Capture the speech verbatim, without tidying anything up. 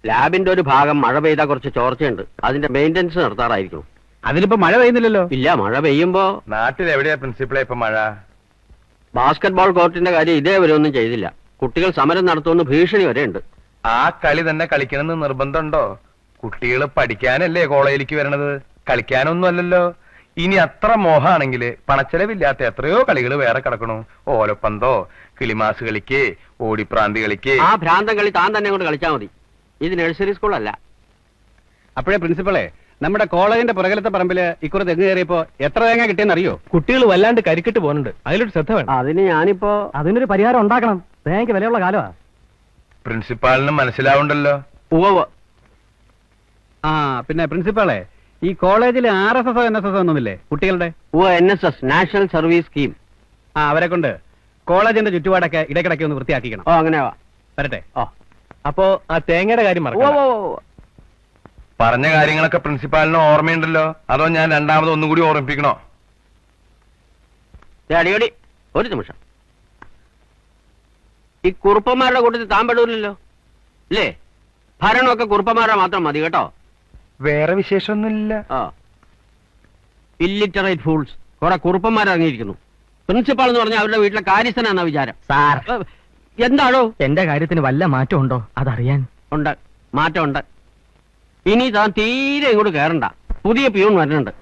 ലാബിന്റെ ഒരു ഭാഗം മഴ പെയ്താൽ കുറച്ച് ചോർച്ചയുണ്ട്. അതിന്റെ മെയിൻ്റെനൻസ് നടത്താറായിരിക്കും. അതിലിപ്പോ മഴ പെയ്യുന്നില്ലല്ലോ. ഇല്ല, മഴ പെയ്യുമ്പോ നാട്ടിൽ എവിടെയാ പ്രിൻസിപ്പളെ ഇപ്പൊ മഴ? ബാസ്കറ്റ്ബോൾ കോർട്ടിന്റെ കാര്യം ഇതേവരെ ഒന്നും ചെയ്തില്ല. കുട്ടികൾ സമരം നടത്തുമെന്ന് ഭീഷണി വരെ ഉണ്ട്. ആ കളി തന്നെ കളിക്കണമെന്ന് നിർബന്ധമുണ്ടോ? കുട്ടികൾ പഠിക്കാനല്ലേ കോളേജിലേക്ക് വരണത്, കളിക്കാനൊന്നും അല്ലല്ലോ. ഇനി അത്ര മോഹാണെങ്കിൽ പണച്ചെലവില്ലാത്ത എത്രയോ കളികൾ വേറെ കിടക്കണു. ഓലപ്പന്തോ, കിളിമാസ് കളിക്ക്, ഓടിപ്രാന്തി കളിക്ക്. ആ ഭ്രാന്തം കളി താൻ തന്നെ കൊണ്ട് കളിച്ചാൽ മതി. ഇത് നഴ്സറി സ്കൂളല്ല. അപ്പോഴേ പ്രിൻസിപ്പളെ, നമ്മുടെ കോളേജിന്റെ പുറകിലത്തെ പറമ്പില് ഇക്കുറി തെങ്ങ് കയറിയപ്പോ എത്ര തേങ്ങ കിട്ടിയെന്ന് അറിയോ? കുട്ടികൾ വല്ലാണ്ട് കരിക്കിട്ട് പോകുന്നുണ്ട്. അതിലൊരു ശ്രദ്ധ വേണം. അതിന് ഞാനിപ്പോ അതിനൊരു പരിഹാരം ഉണ്ടാക്കണം. തേങ്ങയ്ക്ക് വിലയുള്ള കാലമാ. പ്രിൻസിപ്പാളിന് മനസ്സിലാവുണ്ടല്ലോ. ഉവ്വ്. ആ പിന്നെ പ്രിൻസിപ്പളെ, ഈ കോളേജിൽ R S S N S S ഒന്നുമില്ലേ കുട്ടികളുടെ? ഉവ്വ്, N S S, national service scheme. ആ അവരെ കൊണ്ട് കോളേജിന്റെ ചുറ്റുപാടൊക്കെ ഇടയ്ക്കിടയ്ക്ക് ഒന്ന് വൃത്തിയാക്കിക്കണം. ഓ അങ്ങനെ വാ. വരട്ടെ. ഓ അപ്പോ ആ തേങ്ങയുടെ കാര്യം ഉവ്വ് മറക്കണം. ഉവ്വ് ഉവ്വ്. പറഞ്ഞ കാര്യങ്ങളൊക്കെ പ്രിൻസിപ്പാളിന് ഓർമ്മയുണ്ടല്ലോ, അതോ ഞാൻ രണ്ടാമത് ഒന്നും കൂടി ഓർമ്മിപ്പിക്കണോ? ദേ അടിയോടി, ഒരു നിമിഷം. ഈ കുറുപ്പന്മാരുടെ കൂട്ടത്തിൽ താൻ പെടൂലല്ലോ അല്ലേ? ഭരണമൊക്കെ കുറുപ്പന്മാരുടെ മാത്രം മതി കേട്ടോ. വേറെ വിശേഷമൊന്നുമില്ല. ആ ഇല്ലിറ്ററേറ്റ് ഫൂൾസ്, കുറെ കുറുപ്പന്മാർ ഇറങ്ങിയിരിക്കുന്നു. പ്രിൻസിപ്പാൾ എന്ന് പറഞ്ഞാൽ അവരുടെ വീട്ടിലെ കാര്യസ്ഥനാണെന്ന വിചാരം. സാർ, എന്താണോ? എന്റെ കാര്യത്തിന് വല്ല മാറ്റം ഉണ്ടോ അതറിയാൻ. ഉണ്ട്, മാറ്റമുണ്ട്. ഇനി താൻ തീരെ ഇങ്ങോട്ട് കയറണ്ട. പുതിയ പ്യൂൺ വരുന്നുണ്ട്.